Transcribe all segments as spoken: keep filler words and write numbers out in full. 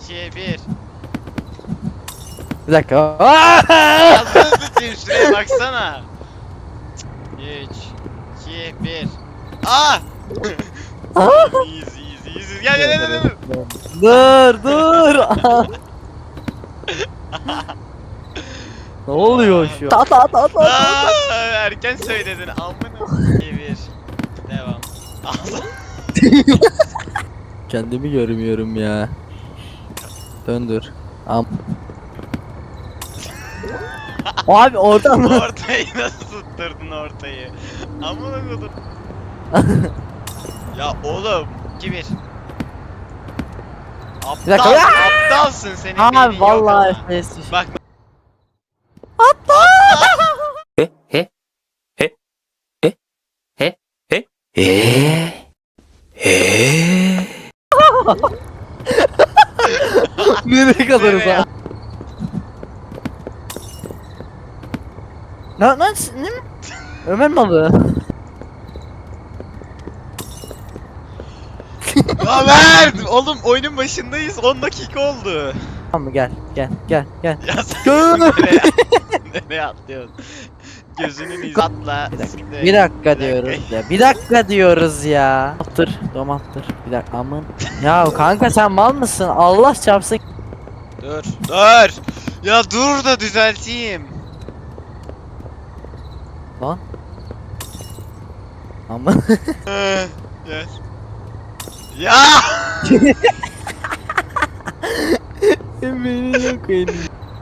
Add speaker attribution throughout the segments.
Speaker 1: iki, bir.
Speaker 2: Bir dakika.
Speaker 1: Ağzını tutayım, şuraya baksana. üç, iki, bir. Aa! İyiyiz, iyiyiz, iyiyiz. Gel gel gel gel.
Speaker 2: Dur dur. Ne oluyor şu? Ta ta ta ta.
Speaker 1: Aa, erken söyledin amına. iki, bir. Devam. Ağzını.
Speaker 2: Kendimi görmüyorum ya. Döndür. Am. Abi oradan mı?
Speaker 1: Ortayı nasıl tutturdun ortayı? Amına kodum. Ya oğlum. iki, bir.
Speaker 2: Bir dakika.
Speaker 1: Aptal, aptalsın senin beynin
Speaker 2: Abi
Speaker 1: yok
Speaker 2: vallahi
Speaker 1: ama.
Speaker 2: F P S düştü.
Speaker 1: Bak.
Speaker 3: He he he he he he he he.
Speaker 2: Nereye kadarız
Speaker 1: Nereye?
Speaker 2: ha? Ne ne ne? Ömer malı.
Speaker 1: Ömer! Oğlum oyunun başındayız. on dakika oldu.
Speaker 2: Tamam mı gel gel gel gel.
Speaker 1: Ya sen
Speaker 2: Gör.
Speaker 1: nereye, nereye atlıyorsun? Gözünün izü atla.
Speaker 2: Bir dakika,
Speaker 1: siktir.
Speaker 2: bir dakika diyoruz ya. Bir dakika diyoruz ya. Attır, domattır. Bir dakika amın. Ya kanka sen mal mısın? Allah çarpsın.
Speaker 1: Dur. Dur. Ya dur da düzelteyim.
Speaker 2: Lan. Amın.
Speaker 1: Ee, Gel. Ya!
Speaker 2: Beni yok benim.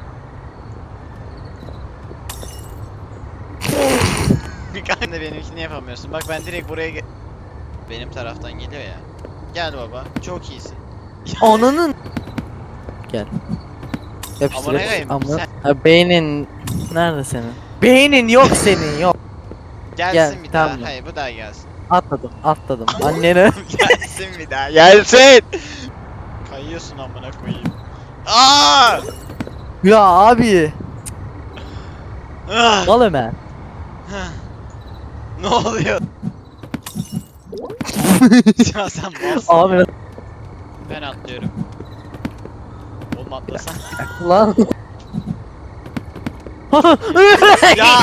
Speaker 1: Kanka da benimkini yapamıyorsun. Bak ben direkt buraya ge- benim taraftan geliyor ya. Gel baba. Çok iyisin.
Speaker 2: Ananın. Gel. Yapıştır
Speaker 1: Amına
Speaker 2: yapıştır.
Speaker 1: koyayım,
Speaker 2: Amına.
Speaker 1: sen-
Speaker 2: Ha, beynin nerede senin? Beynin yok senin yok.
Speaker 1: Gelsin
Speaker 2: Gel,
Speaker 1: bir daha.
Speaker 2: tamam.
Speaker 1: Hayır bu daha gelsin.
Speaker 2: Atladım atladım. Annene.
Speaker 1: Gelsin bir daha. Gelsin. Kayıyorsun amına koyayım. Aa!
Speaker 2: Ya abi.
Speaker 1: Ah!
Speaker 2: Mal Ömer.
Speaker 1: Ne oluyor? Ya sen malsın.
Speaker 2: Abi
Speaker 1: Ben atlıyorum. Oğlum atlasan.
Speaker 2: lan.
Speaker 1: Ya!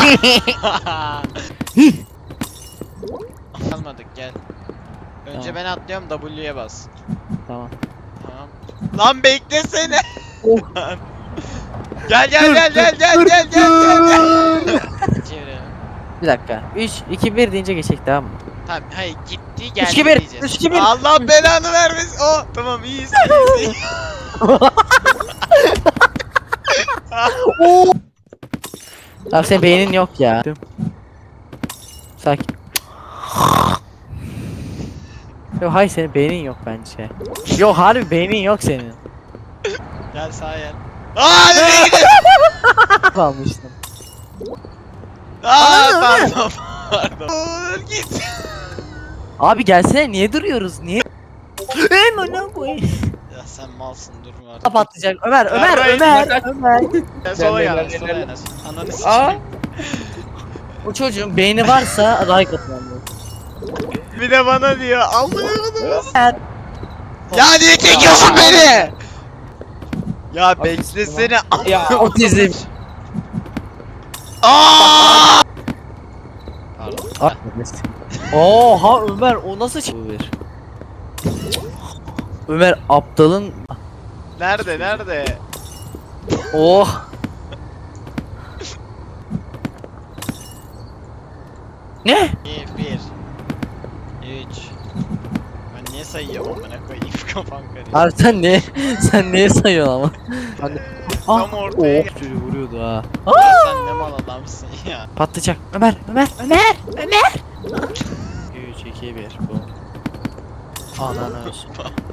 Speaker 1: Almadık gel. Önce
Speaker 2: Tamam.
Speaker 1: ben atlıyorum W'ye bas.
Speaker 2: Tamam.
Speaker 1: Tamam. Lan beklesene.
Speaker 2: Oh.
Speaker 1: Gel gel
Speaker 2: Dur,
Speaker 1: gel
Speaker 2: dur,
Speaker 1: gel gel
Speaker 2: dur,
Speaker 1: gel gel gel.
Speaker 2: dur.
Speaker 1: Çevirelim.
Speaker 2: Bir dakika. üç iki bir deyince geçecek tamam mı?
Speaker 1: Tamam hayır gitti geldi
Speaker 2: üç iki bir,
Speaker 1: diyeceğiz.
Speaker 2: üç iki bir.
Speaker 1: Allah belanı vermesin. Oh tamam iyiyiz iyiyiz.
Speaker 2: Oo. Abi senin beynin yok ya. Sakin. Yok hayır senin beynin yok bence. Yok harbi beynin yok senin.
Speaker 1: Gel sağa gel. Aa nereye gidiyorsun?
Speaker 2: Kalmıştım.
Speaker 1: Aa
Speaker 2: Aa,
Speaker 1: pardon pardon. Dur git.
Speaker 2: Abi gelsene niye duruyoruz niye? Eee ne koyayım?
Speaker 1: Ya sen malsın durma artık.
Speaker 2: Kapatacak Ömer Ömer
Speaker 1: Vermeyin,
Speaker 2: Ömer Ömer.
Speaker 1: Ya sola
Speaker 3: Gel,
Speaker 1: gel
Speaker 3: gel,
Speaker 1: sola
Speaker 3: gel.
Speaker 1: gel. Ananı
Speaker 2: Aa.
Speaker 1: sikeyim.
Speaker 2: O çocuğun beyni varsa like atmam.
Speaker 1: Bir de bana diyor. Allah'ım.
Speaker 2: Ömer.
Speaker 1: Ya niye çekiyorsun beni? Ya beklesene.
Speaker 3: Ya
Speaker 2: Otizm.
Speaker 1: Aa! Pardon.
Speaker 2: Oha Ömer o nasıl çıkıyor? Ömer aptalın
Speaker 1: Nerede nerede?
Speaker 2: oh. Ne?
Speaker 1: Bir, bir. Üç. Ben niye sayıyorum amına koyayım kafam karıştı.
Speaker 2: Abi sen ne? Sen niye sayıyorsun ama? Hani
Speaker 1: Tam ortaya
Speaker 2: oh, çocuğu vuruyordu ha.
Speaker 1: Ya sen ne mal adamsın ya.
Speaker 2: Patlayacak. Ömer, Ömer, Ömer, Ömer. üç iki bir bu. Ananı olsun.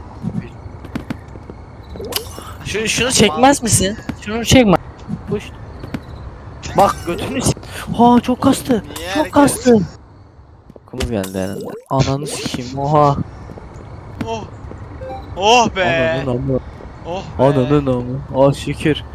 Speaker 2: Şu, şunu çekmez misin? Şunu çekme. Push. Bak götünü s- Ha çok kastı.
Speaker 1: Niye
Speaker 2: Çok
Speaker 1: herkes-
Speaker 2: kastı. Kumuz geldi herhalde. Ananı sikeyim oha.
Speaker 1: Oh. Oh be.
Speaker 2: Ananın amı.
Speaker 1: Oh be.
Speaker 2: Ananın amı. Ah şükür.